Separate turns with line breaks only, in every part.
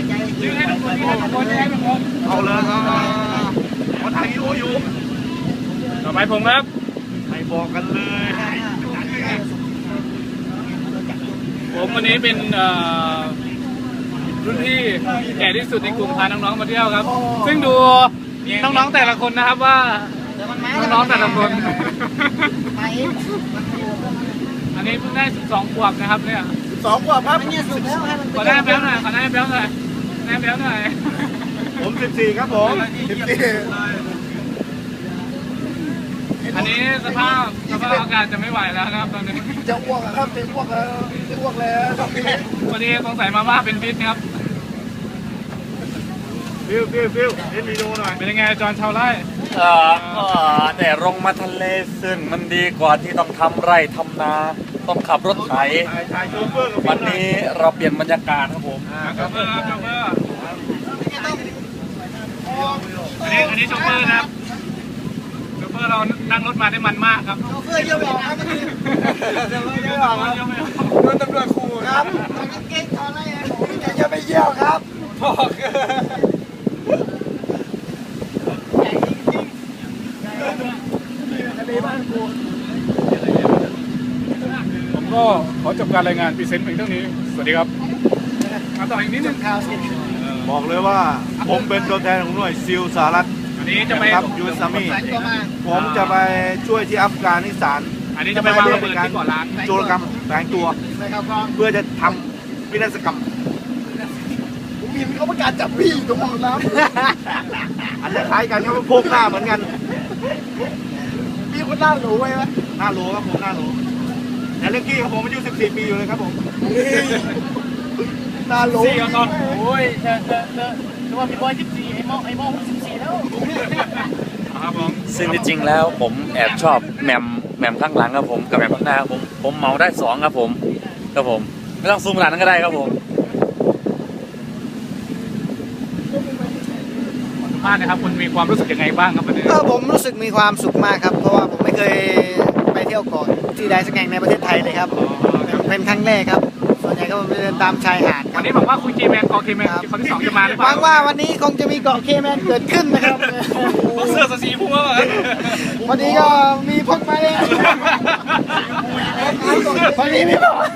ยืนให้ทุกคนยืนให้ทุกคนยืนให้ทุกคนเอาเลยคนไทยอยู่ต่อไปผมครับให้บอกกันเลยผมวันนี้เป็นรุ่นพี่แก่ที่สุดในกลุ่มพาน้องๆมาเที่ยวครับซึ่งดูน้องๆแต่ละคนนะครับว่าน้องๆแต่ละคนอันนี้เพิ่งได้12 ขวบนะครับเนี่ย
12 ขวบครับ
ขอหน้าแป๊บหน่อยขอหน้าแป๊บหน่อยหน้าแป๊บหน่อย
ผม14ครับผม
อันนี้สภาพอากาศจะไม่ไหวแล้วนะครับตอนนี้
จะอ้วกครับจะอ้วกแล้วจะอ้วกแล้ว
วันนี้สงสัยมาม่าเป็นพิษครับ
ฟิวเล่นวีดีโอหน่อย
เป็นยังไงจอนชาวไร่
แต่ลงมาทะเลซึ่งมันดีกว่าที่ต้องทำไร่ทำนาต้องขับรถไถวันนี้เราเปลี่ยนบรรยากาศครับผม
โชเฟอร์อันนี้โชเฟอร์นะครับโชเฟอร์เรานั่งรถมาได้มันมากครับ
โชเฟอร์เยอะบอกครับมันเยอะบอกครับโดนตำรวจขู่ครับเก่งทอนอะไรผมจะไปเยี่ยวครับบอก
ผมก็ขอจบการรายงานพรีเซนต์เพียงเท่านี้สวัสดีครับมาต่ออีกนิดนึง
บอกเลยว่าผมเป็นตัวแทนของหน่วยซิลสหรัฐ
อันนี้จะไป
ยูเอสอาร์มี่ผมจะไปช่วยที่อัฟกานิสถาน
อันนี้จะไปวางระเบิดที่เกาะล้าน
โจรกรรมแฝงตัวเพื่อจะทำวินาศกรรมผมมีเขาประกาศจับพี่ตรงน้ำอันนี้คล้ายกันเขาพกหน้าเหมือนกันพี่คนหน้าหลูไว้ไหมหน้าหลูครับผมหน้าหลูแต่เล็กกี้ครับผมอายุ14 ปีอยู่เลยครับผมหน้าหลู
4ก่อนโอ้ยแต่ว่าพี่บอย14ไอ้โม่14แล้วครับผม
ซึ่งจริงๆแล้วผมแอบชอบแหม่มข้างหลังครับผมกับแหม่มข้างหน้าผมเมาได้2ครับผมไม่ต้องซูมขนาดนั้นก็ได้ครับผม
มากนะครับคุณมีความรู้สึกยังไงบ้างครับวันนี้
ผมรู้สึกมีความสุขมากครับเพราะว่าผมไม่เคยไปเที่ยวเกาะที่ใดสักแห่งในประเทศไทยเลยครับเป็นครั้งแรกครับส่วนใหญ่ก็ไปเดินตามชายหาด
วันนี้บอกว่าคุณเคแมนเกาะเคแมนคนที่2จะมาหรือเปล่า
หวังว่าวันนี้คงจะมีเกาะเคแมนเกิดขึ้นนะครับ
เสื้อสีพุ่งแล้ว
วันนี้ก็มีพกมาเลยวันนี้มีพก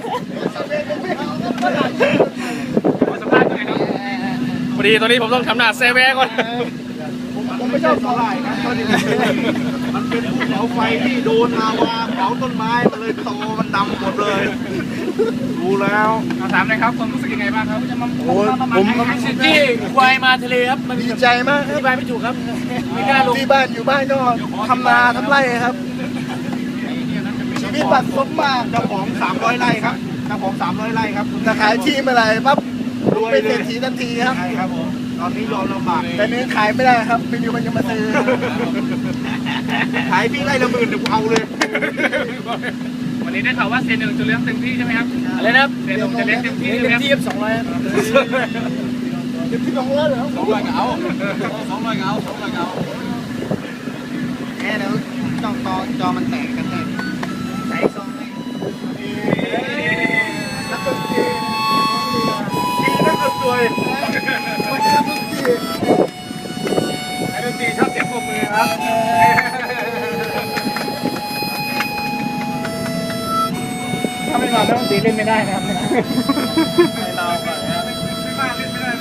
พอดีตอนนี้ผมต้องทำหน้าเซเว่ก่อน
ผมไม่ชอบสาหร่ายครับมันเป็นภูเขาไฟที่โดนลาวาเผาต้นไม้มันเลยโตมันดำหมดเลยรู้แล้ว
ถามเลยครับความรู้สึกยังไงบ้างครับจะมา
ผม
ที่ควายมาทะเลครับ
มันดีใจมาก
ที่บ้านไม่ถูกครับไม่กล้าลง
ที่บ้านอยู่บ้านก็ทำนาทำไร่ครับชีวิตบัดซบมาก
เจ้าของ300 ไร่ครับเจ้าของ300 ไร่ครับ
จะขายที่เมื่อไหร่ปั๊บเป็นเศรษฐีทันทีครับ
ใช่ครับผมตอนนี้ยอมลำบาก
แต่นี้ขายไม่ได้ครับไม่มีคนจะมาซื้อ
ขายพี่ไร่ละ10,000เดี๋ยวเอาเลย
วันนี้ได้ข่าวว่าเซนหนึ่งจะเลี้ยงเต็มที่ใช่ไหมครับ
อะไรนะ
เซนหนึ่งจะเลี้ยงเต็มที่
เต็มที่200เต็มที่200เหรอ
200เงา
แค่แล้วต้องจอมันแตกกันแน่ใส่ซองให้นักดนตรี
นักดนตรี
ดนตรีชอบเสียงปรบมือครับถ้าไม่มาดนตรีเล่นไม่ได้นะครับไม่เราก่อนนะไม่มาเล่นไม่ได้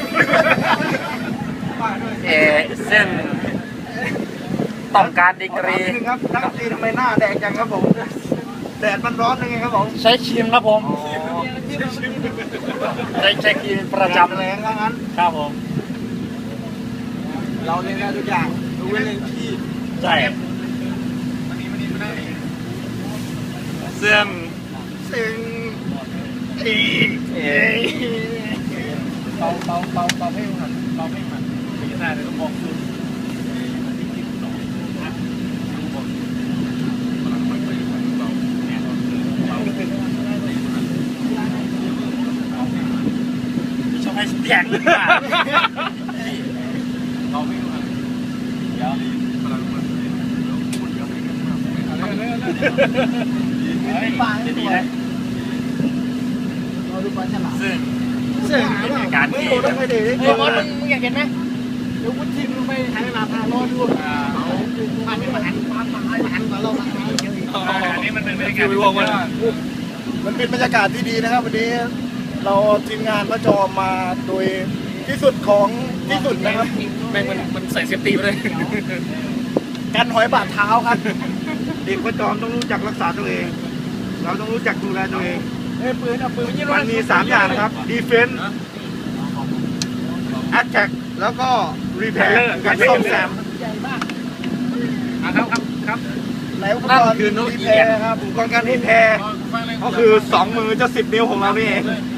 เลยซึ่งต้องการดีกรี
ครับนักดนตรีทำไมหน้าแดงจังครับผมแดดมันร้อนยังไงครับผม
ใช้ครีมครับผมใช้ครีมประจำ
แรงแล้วงั้น
ครับผม
เราเล่นได้ทุกอย่างดูเล่นที่
ใช่ซึ่ง
เบาให้หันไม่ได้เลยต้องมองคือ
ชอบให้แข็งหรือเปล่า
เราไม่รู้เดี๋ยว
ปลาดีนะเราดูปลาฉลาม
ซึ่ง
เจอ
เป็นเหตุการณ์ที่
ต้องไปเด็ก
เฮ้ยมอสมึงอยากเห็นไหมเดี๋ยววุ้นทีมลงไปหาเวลาพารอดูมันเป็นมาหันมาเรามาเยอะอีก
อันนี้มันเป็นบรรยากาศที่ว่า
มันเป็นบรรยากาศที่ดีนะครับวันนี้เราทีมงานพระจอมมาโดยที่สุดของที่สุดนะครับ
แม่งมันใส่เซฟตี้ไปเลย
กันหอยบาดเท้าครับ เด็กพระจอมต้องรู้จักรักษาตัวเอง เราต้องรู้จักดูแลตัวเอง
เฮ้ยปืนเอาปืนยิง
มันมี 3 อย่างนะครับ defense attack แล้วก็ repair การซ่อมแซม
ใหญ่มาก
ครับ
ในอุปกรณ์ repair ครับอุปกรณ์การ repair ก็คือ 2 มือจะ10 นิ้วของเรานี่เอง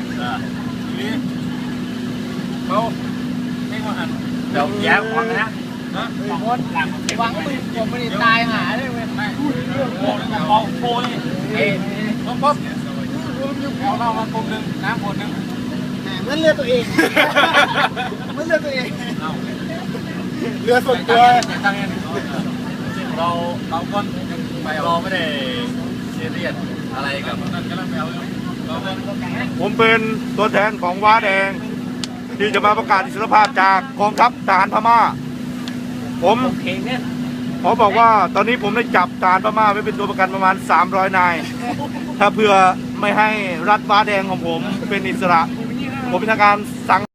เขาไม่มาหันเดี๋ยวแย้มฟังนะ
มดหวังมือผมไม่ได้ตายหาเลยเว้ย
มองโพนี่เอ้ป๊อปเอาเหล้ามากลมหนึ่งน้ำขวดหนึ่ง
เหมือนเลือดตัวเองเหมือนเลือดตัวเอง
เรือส่วนตัว
ตั้งเงินเราก็เราไม่ได้ซีเรียสอะไรกับนั่นก็แล้ว
ผมเป็นตัวแทนของว้าแดง ที่จะมาประกาศอิสรภาพจากกองทัพทหารพม่า ผมขอบอกว่าตอนนี้ผมได้จับทหารพม่าไว้เป็นตัวประกันประมาณ300 นาย ถ้าเพื่อไม่ให้รัฐว้าแดงของผมเป็นอิสระ ผมเป็นทางการสั่ง